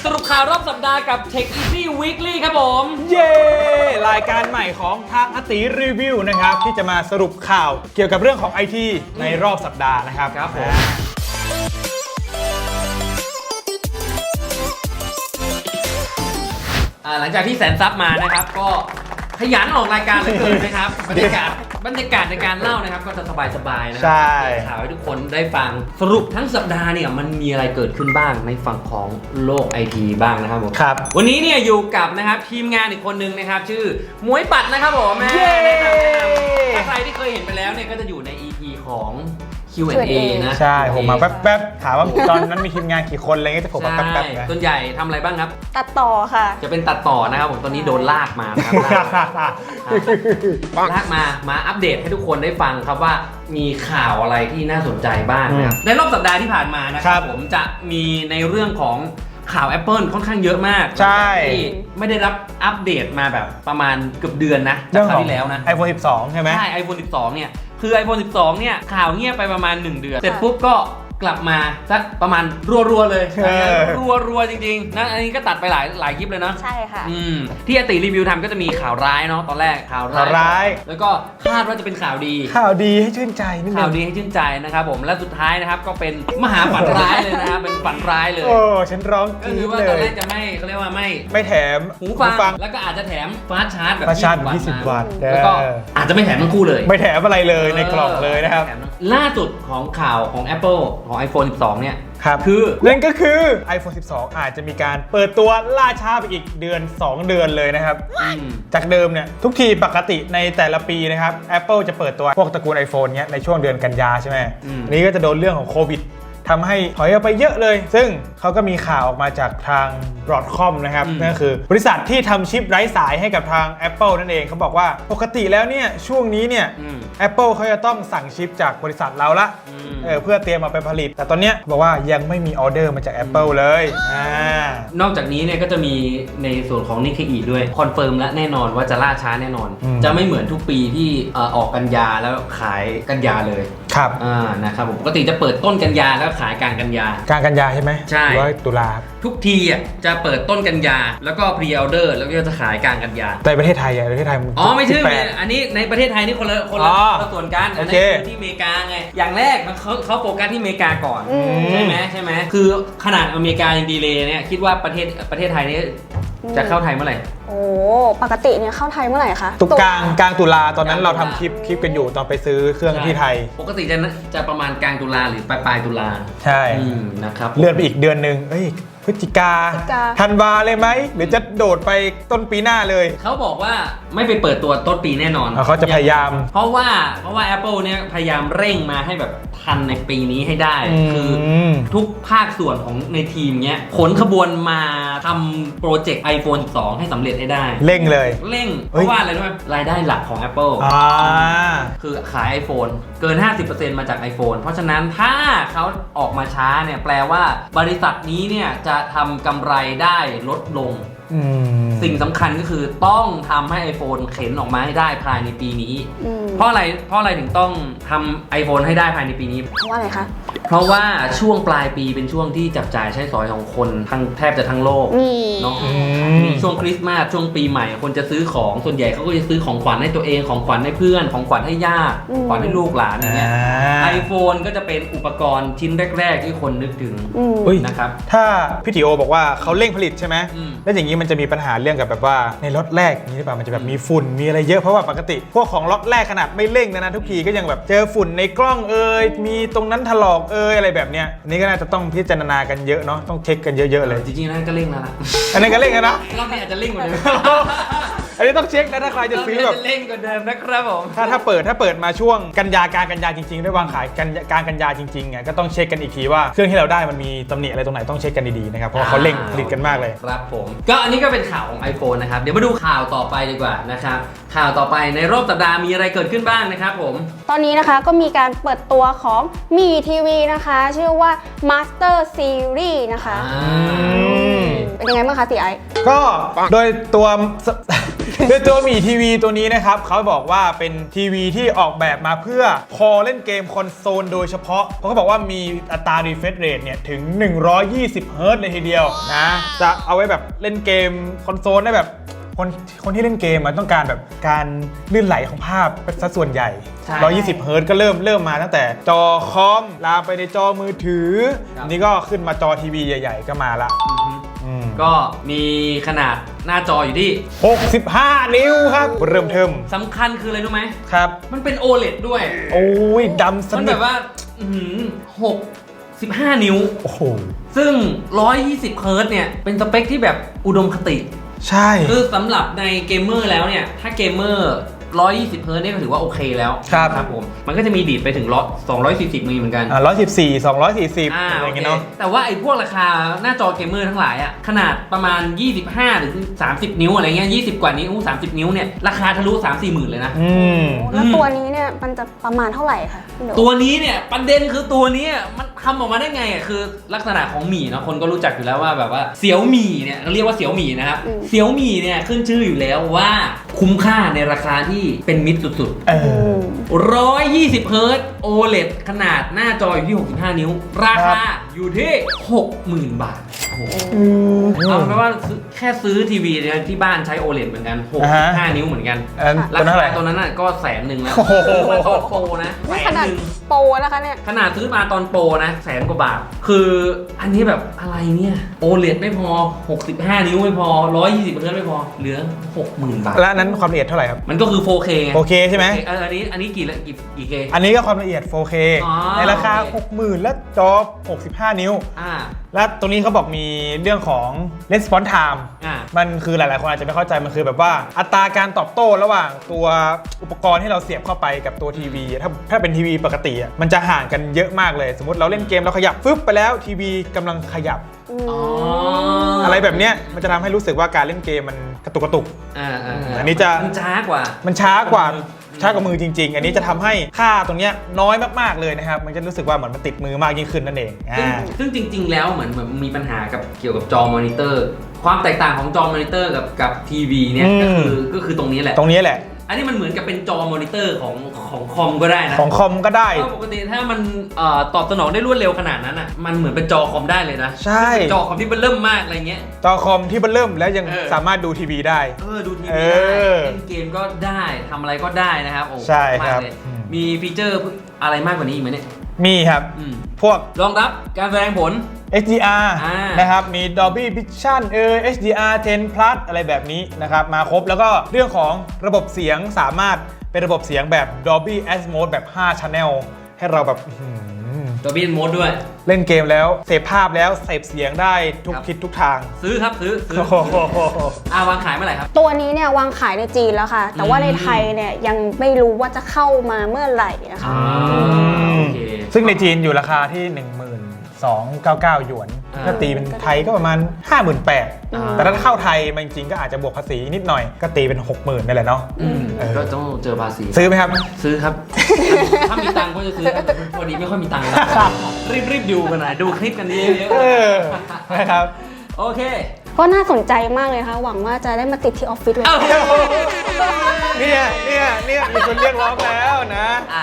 สรุปข่าวรอบสัปดาห์กับ Tech Easy Weekly ครับผมเย้รายการใหม่ของทางอติรีวิวนะครับที่จะมาสรุปข่าวเกี่ยวกับเรื่องของ IT ในรอบสัปดาห์นะครับครับผม หลังจากที่แสนซับมานะครับก็ขยันออกรายการเหลยเกินนะครับบรรยากาศในการเล่านะครับก็จะสบายๆนะครัใช่ข่าวให้ทุกคนได้ฟังสรุปทั้งสัปดาห์เนี่ยมันมีอะไรเกิดขึ้นบ้างในฝั่งของโลกไอทีบ้างนะครับผมครับวันนี้เนี่ยอยู่กับนะครับทีมงานอีกคนนึงนะครับชื่อหมวยปัดนะครับผมแม่เย้แนะนำถ้าใครที่เคยเห็นไปแล้วเนี่ยก็จะอยู่ใน EP ของ Q&A นะใช่ผมมาแป๊บๆถามว่าตอนนั้นมีทีมงานกี่คนอะไรเงี้ยแต่ผมมาแป๊บๆนะส่วนใหญ่ทำอะไรบ้างครับตัดต่อค่ะจะเป็นตัดต่อนะครับผมตอนนี้โดนลากมานะครับลากมาอัปเดตให้ทุกคนได้ฟังครับว่ามีข่าวอะไรที่น่าสนใจบ้างนะครับในรอบสัปดาห์ที่ผ่านมานะครับผมจะมีในเรื่องของข่าว Apple ค่อนข้างเยอะมากใช่ที่ไม่ได้รับอัปเดตมาแบบประมาณเกือบเดือนนะจากคราวที่แล้วนะ iPhone 12 ใช่ไหมใช่ iPhone 12 เนี่ยคือ iPhone 12 เนี่ยข่าวเงียบไปประมาณ 1 เดือนเสร็จปุ๊บก็กลับมาสักประมาณรัวๆเลยรัวๆจริงๆนะอันนี้ก็ตัดไปหลายคลิปเลยเนาะใช่ค่ะที่อติรีวิวทำก็จะมีข่าวร้ายเนาะตอนแรกข่าวร้ายแล้วก็คาดว่าจะเป็นข่าวดีข่าวดีให้ชื่นใจนิดนึงข่าวดีให้ชื่นใจนะครับผมและสุดท้ายนะครับก็เป็นมหาฝันร้ายเลยนะครับเป็นฝันร้ายเลยโอ้ฉันร้องกก็รี๊คือดว่าเลตอนยแรกจะไม่เขาเรียกว่าไม่ไม่แถมหูฟังแล้วก็อาจจะแถมฟาสต์ชาร์จแบบฟาสต์ชาร์จ20 วัตต์แล้วก็อาจจะไม่แถมทั้งคู่เลยไม่แถมอะไรเลยในกล่องเลยนะครับล่าสุดของข่าวของ Apple ของ iPhone 12 เนี่ยครับคือนั่นก็คือ iPhone 12 อาจจะมีการเปิดตัวล่าช้าไปอีกเดือน 2 เดือนเลยนะครับ จากเดิมเนี่ยทุกทีปกติในแต่ละปีนะครับ Apple จะเปิดตัวพวกตระกูล iPhone เนี้ยในช่วงเดือนกันยาใช่ไหมอันนี้ก็จะโดนเรื่องของโควิดทำให้ถอยออกไปเยอะเลย ซึ่งเขาก็มีข่าวออกมาจากทาง Broadcom นะครับนั่นก็คือบริษัทที่ทำชิปไร้สายให้กับทาง Apple นั่นเองเขาบอกว่าปกติแล้วเนี่ยช่วงนี้เนี่ย Apple เขาจะต้องสั่งชิปจากบริษัทเราละเพื่อเตรียมมาไปผลิต แต่ตอนเนี้ยบอกว่ายังไม่มีออเดอร์มาจาก Apple เลยนอกจากนี้เนี่ยก็จะมีในส่วนของนิเคอีด้วยคอนเฟิร์มและแน่นอนว่าจะล่าช้าแน่นอน จะไม่เหมือนทุกปีที่ออกกันยาแล้วขายกันยาเลยครับนะครับผมปกติจะเปิดต้นกันยาแล้วขายกลางกันยากลางกันยาใช่ไหมใช่หรือว่าตุลาทุกทีอ่ะจะเปิดต้นกันยาแล้วก็พรีออเดอร์แล้วก็จะขายกลางกันยาแต่ประเทศไทยอะประเทศไทยมันไม่ใช่ 18 อันนี้ในประเทศไทยนี่คนละส่วนกันอันนั้นคือที่อเมริกาไงอย่างแรกเขาโฟกัสที่อเมริกาก่อนใช่ไหมคือขนาดอเมริกายังดีเลยเนี่ยคิดว่าประเทศไทยนี่จะเข้าไทยเมื่อไหร่โอ้ปกติเนี่ยเข้าไทยเมื่อไหร่คะกลางตุลาตอนนั้นเราทำคลิปกันอยู่ตอนไปซื้อเครื่องที่ไทยปกติจะประมาณกลางตุลาหรือปลายตุลาใช่นะครับเลื่อนไปอีกเดือนหนึ่งพฤศจิกาธันวาเลยไหมหรือจะโดดไปต้นปีหน้าเลยเขาบอกว่าไม่ไปเปิดตัวต้นปีแน่นอนเขาจะพยายามเพราะว่า Apple เนี่ยพยายามเร่งมาให้แบบทันในปีนี้ให้ได้คือทุกภาคส่วนของในทีมเนี้ยขนขบวนมาทำโปรเจกต์ iPhone 12 ให้สำเร็จให้ได้เร่งเลยเพราะว่าอะไรรู้ไหมรายได้หลักของ Apple คือขาย iPhone เกิน 50% มาจาก iPhone เพราะฉะนั้นถ้าเขาออกมาช้าเนี่ยแปลว่าบริษัทนี้เนี่ยจะทำกำไรได้ลดลงสิ่งสำคัญก็คือต้องทำให้ iPhone เข็นออกมาให้ได้ภายในปีนี้เพราะอะไรถึงต้องทำ iPhone ให้ได้ภายในปีนี้เพราะว่าอะไรคะเพราะว่าช่วงปลายปีเป็นช่วงที่จับจ่ายใช้สอยของคนแทบจะทั้งโลกเนาะมีช่วงคริสต์มาสช่วงปีใหม่คนจะซื้อของส่วนใหญ่เขาก็จะซื้อของขวัญให้ตัวเองของขวัญให้เพื่อนของขวัญให้ญาติของขวัญให้ลูกหลานอย่างเงี้ย iPhone ก็จะเป็นอุปกรณ์ชิ้นแรกๆที่คนนึกถึงนะครับถ้าพี่ติโอบอกว่าเขาเร่งผลิตใช่ไหมแล้วอย่างนี้มันจะมีปัญหาเรื่องกับแบบว่าในล็อตแรกนี้หรือเปล่ามันจะแบบมีฝุ่นมีอะไรเยอะเพราะว่าปกติพวกของล็อตแรกขนาดไม่เร่งนะทุกทีก็ยังแบบเจอฝุ่นในกล้องมีตรงนั้นถลอกอะไรแบบเนี้ยอันนี้ก็น่าจะต้องพิจารณากันเยอะเนาะต้องเช็คกันเยอะๆเลยจริงๆนั่นก็เร่งแล้วนะอันนั้นก็เร่งนะรอบนี้อาจจะเร่งกว่าเดิมอันนี้ต้องเช็คนะถ้าใครจะซื้อแบบเร่งกว่าเดิมนะครับผมถ้าเปิดมาช่วงกลางกันยาจริงๆได้วางขายกลางกันยาจริงๆไงก็ต้องเช็คกันอีกทีว่าเครื่องที่เราได้มันมีตำหนิอะไรตรงไหนต้องเช็คกันดีๆนะครับเพราะเขาเร่งผลิตกันมากเลยครับผมก็อันนี้ก็เป็นข่าวของ iPhone นะครับเดี๋ยวมาดูข่าวต่อไปดีกว่านะครับข่าวต่อไปในรอบสัปดาห์มีอะไรเกิดขึ้นบ้างนะครับผมตอนนี้นะคะก็มีการเปิดตัวของมีทีวีนะคะชื่อว่า Master Series นะคะเป็นยังไงบ้างคะตีไอก็โดยตัวคือตัวหมีทีวีตัวนี้นะครับเขาบอกว่าเป็นทีวีที่ออกแบบมาเพื่อคอเล่นเกมคอนโซลโดยเฉพาะเพราะเขาบอกว่ามีอัตรา refresh rate เนี่ยถึง120 เฮิร์ตซ์เลยทีเดียวนะจะเอาไว้แบบเล่นเกมคอนโซลได้แบบคนที่เล่นเกมมันต้องการแบบการลื่นไหลของภาพเป็นสัดส่วนใหญ่ใช่ 120 เฮิร์ตซ์ก็เริ่มมาตั้งแต่จอคอมลามไปในจอมือถือครับนี่ก็ขึ้นมาจอทีวีใหญ่ๆก็มาละก็มีขนาดหน้าจออยู่ที่ 65 นิ้วครับเริ่มเทิมสำคัญคืออะไรรู้ไหมครับมันเป็น OLED ด้วยโอ้ยดำสมันนิแบทบว่า15 นิ้วโอ้โหซึ่ง 120 เฮิร์ตซ์เนี่ย เป็นสเปคที่แบบอุดมคติใช่คือสำหรับในเกมเมอร์แล้วเนี่ย ถ้าเกมเมอร์120 เฮิร์ตซ์เนี่ยก็ถือว่าโอเคแล้วครับผม มันก็จะมีดีดไปถึง240มีเหมือนกัน 114 240อะไรอย่างเงี้ยเนาะแต่ว่าไอ้พวกราคาหน้าจอเกมเมอร์ทั้งหลายอะขนาดประมาณ 25 หรือ 30 นิ้วอะไรเงี้ย 20 กว่านิ้ว 30 นิ้วเนี่ย ราคาทะลุ 3-4 หมื่นเลยนะแล้วตัวนี้เนี่ยมันจะประมาณเท่าไหร่คะพี่โดตัวนี้เนี่ยประเด็นคือตัวนี้มันทำออกมาได้ไงอ่ะคือลักษณะของหมี่เนาะคนก็รู้จักอยู่แล้วว่าแบบว่าเสี่ยวหมี่เนี่ยเรียกว่าเสี่ยวหมี่นะครับเสี่ยวหมี่เนี่ยขึ้นชื่ออยู่แล้วว่าคุ้มค่าในราคาที่เป็นมิตรสุดๆ120 เฮิร์ตซ์ OLED ขนาดหน้าจออยู่ที่ 65 นิ้ว ราคาอยู่ที่ 60,000 บาทโอ้โหเอาเป็นว่าแค่ซื้อทีวีเนี่ยที่บ้านใช้ OLED เหมือนกัน65 นิ้วเหมือนกัน ราตัวนั้นคาเท่าไหร่ตัวนั้นน่ะก็100,000 แล้วโอ้โหมาตอนโปรนะนี่ขนาด 100,000 โปรนะคะเนี่ยขนาดซื้อมาตอนโปรนะ100,000 กว่าบาท คืออันนี้แบบอะไรเนี่ย OLED ไม่พอ 65 นิ้วไม่พอ 120 เฮิร์ตซ์ไม่พอ เหลือ 60,000 บาทแล้วอันนั้นความละเอียดเท่าไหร่ครับมันก็คือ 4K ไง 4K ใช่ไหมอันนี้กี่K อันนี้ก็ความละเอียด 4K อ๋อในราคาโอเค 60,000 และจอ 65 นิ้วอ่าและตรงนี้เขาบอกมีเรื่องของ response time มันคือหลายๆคนอาจจะไม่เข้าใจมันคือแบบว่าอัตราการตอบโต้ระหว่างตัวอุปกรณ์ที่เราเสียบเข้าไปกับตัวทีวีถ้าเป็นทีวีปกติอ่ะมันจะห่างกันเยอะมากเลย สมมติเราเล่นเกมเราขยับฟึบไปแล้วทีวีกำลังขยับอ๋ออะไรแบบเนี้ยมันจะทำให้รู้สึกว่าการเล่นเกมมันกระตุก อันนี้จะมันช้ากว่ามันช้ากว่ามือจริงๆ อันนี้จะทำให้ค่าตรงเนี้ยน้อยมากๆเลยนะครับมันจะรู้สึกว่าเหมือนมันติดมือมากยิ่งขึ้นนั่นเองซึ่งจริง ๆ แล้วเหมือนมีปัญหากับเกี่ยวกับจอมอนิเตอร์ ความแตกต่างของจอมอนิเตอร์กับทีวีเนี่ยก็คือตรงนี้แหละตรงนี้แหละอันนี้มันเหมือนกับเป็นจอมอนิเตอร์ของคอมก็ได้นะของคอมก็ได้เพราะปกติถ้ามันตอบสนองได้รวดเร็วขนาดนั้นอ่ะมันเหมือนเป็นจอคอมได้เลยนะใช่เป็นจอคอมที่มันเริ่มมากอะไรเงี้ยจอคอมที่มันเริ่มแล้วยังสามารถดูทีวีได้ดูทีวีเอได้อเล่นเกมก็ได้ทำอะไรก็ได้นะครับโอ้ใช่ครับมากเลยมีฟีเจอร์อะไรมากกว่านี้อีกไหมเนี่ยมีครับ พวกรองรับการแสดงผล HDR อ่านนะครับ มี Dolby Vision HDR 10 Plus อะไรแบบนี้นะครับ มาครบ แล้วก็เรื่องของระบบเสียงสามารถเป็นระบบเสียงแบบ Dolby Atmos แบบ 5 Channel ให้เราแบบ Dolby Atmos ด้วยเล่นเกมแล้วเสพภาพแล้วเสพเสียงได้ทุกครับทิศทุกทางซื้อครับซื้อโอ้โหวางขายเมื่อไหร่ครับตัวนี้เนี่ยวางขายในจีนแล้วค่ะ แต่ว่าในไทยเนี่ยยังไม่รู้ว่าจะเข้ามาเมื่อไหร่นะคะโอเคซึ่งในจีนอยู่ราคาที่ 12,999 หยวน ถ้าตีเป็นไทยก็ประมาณ 58,000 แต่ถ้าเข้าไทยมันจริงๆก็อาจจะบวกภาษีนิดหน่อย ก็ตีเป็น 60,000นั่นแหละเนาะก็ต้องเจอภาษีซื้อไหมครับซื้อครับ ถ้ามีตังค์ก็จะซื้อครับพอดีไม่ค่อยมีตังค์นะรีบดูกันหน่อยดูคลิปกันเยอะนะครับๆโอเคก็น่าสนใจมากเลยค่ะ หวังว่าจะได้มาติดที่ออฟฟิศเลยเนี่ยมีคนเรียกร้องแล้วนะ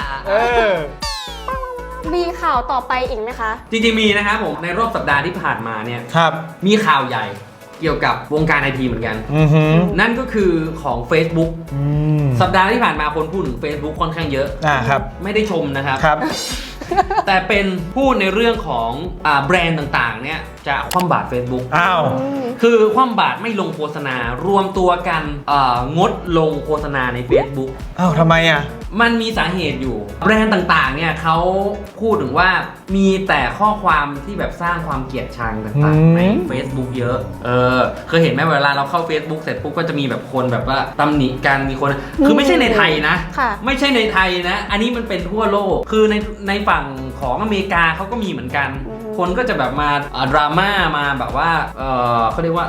มีข่าวต่อไปอีกไหมคะจริงๆมีนะครับผมในรอบสัปดาห์ที่ผ่านมาเนี่ยครับมีข่าวใหญ่เกี่ยวกับวงการไอทีเหมือนกัน นั่นก็คือของ Facebook สัปดาห์ที่ผ่านมาคนพูดถึง Facebook ค่อนข้างเยอะครับไม่ได้ชมนะครับครับแต่เป็นพูดในเรื่องของแบรนด์ต่างๆเนี่ยจะคว่ำบาตร Facebook อ้าวคือคว่ำบาตรไม่ลงโฆษณารวมตัวกันงดลงโฆษณาใน Facebook อ้าวทำไมอ่ะมันมีสาเหตุอยู่แบรนด์ต่างๆเนี่ยเขาพูดถึงว่ามีแต่ข้อความที่แบบสร้างความเกลียดชังต่างๆใน Facebook เยอะเคยเห็นไหมเวลาเราเข้า Facebook เสร็จปุ๊บก็จะมีแบบคนแบบว่าตำหนิกันมีคนคือไม่ใช่ในไทยนะค่ะไม่ใช่ในไทยนะ อันนี้มันเป็นทั่วโลกคือในฝั่งของอเมริกาเขาก็มีเหมือนกัน คนก็จะแบบมาดราม่ามาแบบว่าเขาเรียกว่า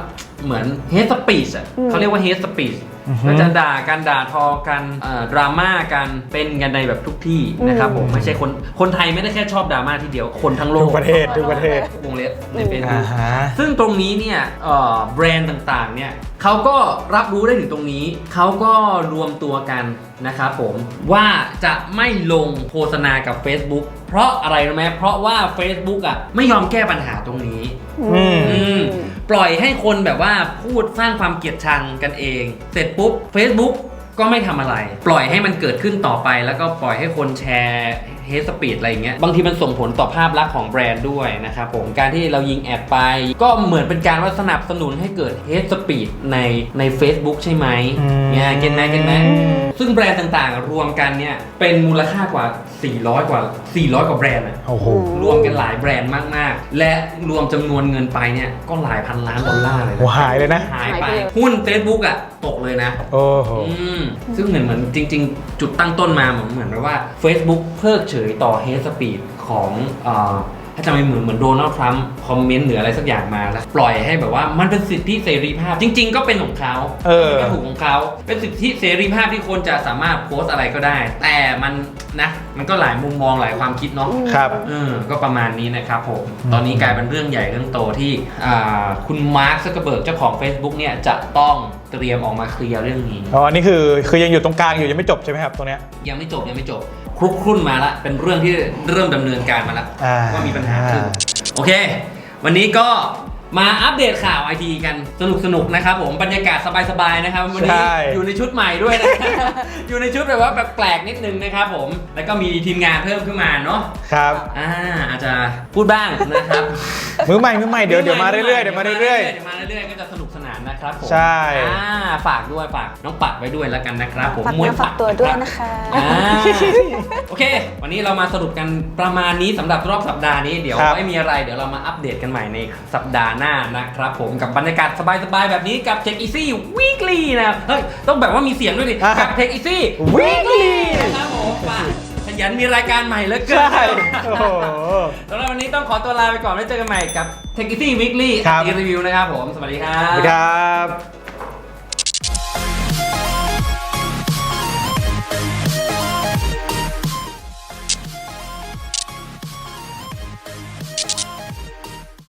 เหมือน hate speech อ่ะเขาเรียกว่า hate speech ก็จะด่ากันด่าทอกันดราม่ากันเป็นกันในแบบทุกที่นะครับผมไม่ใช่คนไทยไม่ได้แค่ชอบดราม่าทีเดียวคนทั้งโลกทุกประเทศวงเล็บในเป็นฮะซึ่งตรงนี้เนี่ยแบรนด์ต่างๆเนี่ยเขาก็รับรู้ได้ถึงตรงนี้เขาก็รวมตัวกันนะครับผมว่าจะไม่ลงโฆษณากับ Facebook เพราะอะไรรู้ไหมเพราะว่า Facebook อ่ะไม่ยอมแก้ปัญหาตรงนี้ ปล่อยให้คนแบบว่าพูดสร้างความเกลียดชังกันเอง เสร็จปุ๊บ Facebook ก็ไม่ทำอะไร ปล่อยให้มันเกิดขึ้นต่อไปแล้วก็ปล่อยให้คนแชร์เฮสปีดอะไรอย่างเงี้ยบางทีมันส่งผลต่อภาพลักษณ์ของแบรนด์ด้วยนะครับผมการที่เรายิงแอดไป ก็เหมือนเป็นการว่าสนับสนุนให้เกิดเฮสปีดใน Facebook ใช่ไหมเนี่ยเก็ตไหมซึ่งแบรนด์ต่างๆ รวมกันเนี่ยเป็นมูลค่ากว่า400 กว่าแบรนด์อะโอ้โหรวมกันหลายแบรนด์มากๆและรวมจำนวนเงินไปเนี่ยก็หลายพันล้านดอลลาร์เลยโอ้หายเลยนะหายไปหุ้น Facebook อ่ะตกเลยนะโอ้โหซึ่งเหมือนจริงๆ จุดตั้งต้นมาเหมือนว่า Facebook เพิกเฉยต่อ hate speech ของถ้าจำไม่เหมือนโดนัลด์ทรัมป์คอมเมนต์หรืออะไรสักอย่างมาแล้วปล่อยให้แบบว่ามันเป็นสิทธิเสรีภาพ จริง ๆ ก็เป็นของเขาเป็นถูกของเขาเป็นสิทธิเสรีภาพที่คนจะสามารถโพสต์อะไรก็ได้ แต่มันก็หลายมุมมองหลายความคิดเนาะครับก็ประมาณนี้นะครับผมตอนนี้กลายเป็นเรื่องใหญ่เรื่องโตที่คุณมาร์ค ซักเคอร์เบิร์กเจ้าของ Facebook เนี่ยจะต้องเตรียมออกมาเคลียร์เรื่องนี้อ๋ออันนี้คือยังอยู่ตรงกลางอยู่ยังไม่จบใช่ไหมครับตรงเนี้ยยังไม่จบคลุกครุ่นมาละเป็นเรื่องที่เริ่มดำเนินการมาละว่ามีปัญหาขึ้นโอเค วันนี้ก็มาอัปเดตข่าวไอทีกันสนุกนะครับผมบรรยากาศสบายๆนะครับวันนี้อยู่ในชุดใหม่ด้วยนะ อยู่ในชุดแบบว่าแปลกๆนิดนึงนะครับผมแล้วก็มีทีมงานเพิ่มขึ้นมาเนาะครับอาจจะพูดบ้างนะครับมือใหม่เดี๋ยวมาเรื่อยๆก็จะสนุกสนานนะครับผมใช่ฝากน้องปัดไว้ด้วยแล้วกันนะครับผมฝากเนื้อฝากตัวด้วยนะคะโอเค วันนี้เรามาสรุปกันประมาณนี้สำหรับรอบสัปดาห์นี้เดี๋ยวครับไม่มีอะไรเดี๋ยวเรามาอัปเดตกันใหม่ในสัปดาห์หน้านะครับผมกับบรรยากาศสบายๆแบบนี้กับ Tech Easy Weekly นะเฮ้ยต้องแบบว่ามีเสียงด้วยดิกับ Tech Easy Weekly นะครับผมขยันมีรายการใหม่เหลือเกินใช่โอ้โหสำหรับวันนี้ต้องขอตัวลาไปก่อนไว้เจอกันใหม่กับ Tech Easy Weekly ครับรีวิวนะครับผมสวัสดีครับสวัสดีครับ